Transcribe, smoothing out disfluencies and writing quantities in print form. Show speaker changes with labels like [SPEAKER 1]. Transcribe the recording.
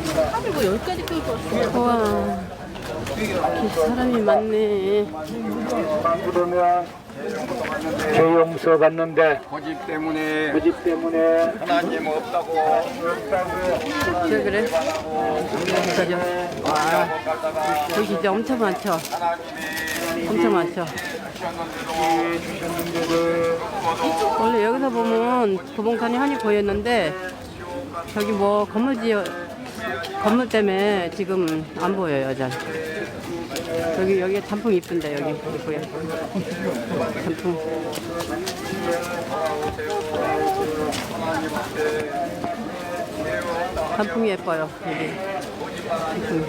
[SPEAKER 1] 하루고 10가지 끌고 왔어.
[SPEAKER 2] 우와, 이렇게 사람이 많네.
[SPEAKER 3] 그러면 죄용서 받는데
[SPEAKER 4] 고집 때문에
[SPEAKER 3] 고집 때문에
[SPEAKER 4] 하나님 없다고
[SPEAKER 2] 그래? 그죠? 와, 여기 진짜 엄청 많죠? 엄청 많죠? 원래 여기서 보면 도봉산이 한이 보였는데 저기 뭐 건물 때문에 지금 안 보여요. 잘. 여기 단풍 이쁜데 여기 이쁘게 단풍. 단풍이 예뻐요 여기. 단풍.